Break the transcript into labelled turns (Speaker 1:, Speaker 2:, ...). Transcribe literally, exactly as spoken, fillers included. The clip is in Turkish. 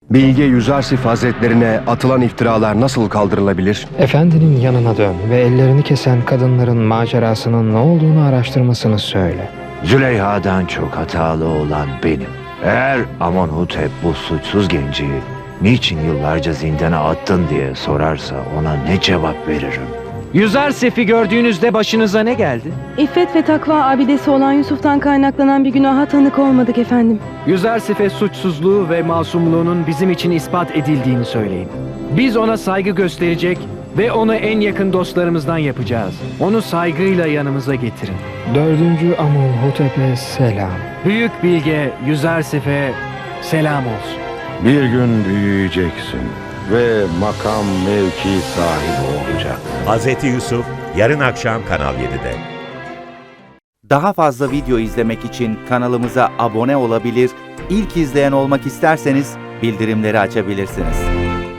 Speaker 1: Bilge Yüzarsif Hazretlerine atılan iftiralar nasıl kaldırılabilir?
Speaker 2: Efendinin yanına dön ve ellerini kesen kadınların macerasının ne olduğunu araştırmasını söyle.
Speaker 3: Züleyha'dan çok hatalı olan benim. Eğer Amonhotep bu suçsuz genci niçin yıllarca zindana attın diye sorarsa ona ne cevap veririm?
Speaker 4: Yüzarsif'i gördüğünüzde başınıza ne geldi?
Speaker 5: İffet ve takva abidesi olan Yusuf'tan kaynaklanan bir günaha tanık olmadık efendim.
Speaker 4: Yüzarsif'e suçsuzluğu ve masumluğunun bizim için ispat edildiğini söyleyin. Biz ona saygı gösterecek ve onu en yakın dostlarımızdan yapacağız. Onu saygıyla yanımıza getirin.
Speaker 2: Dördüncü Amonhotep'e selam.
Speaker 4: Büyük bilge Yüzarsif'e selam olsun.
Speaker 6: Bir gün büyüyeceksin ve makam mevki sahibi olacaksın.
Speaker 7: Hazreti Yusuf yarın akşam Kanal yedide.
Speaker 8: Daha fazla video izlemek için kanalımıza abone olabilir, ilk izleyen olmak isterseniz bildirimleri açabilirsiniz.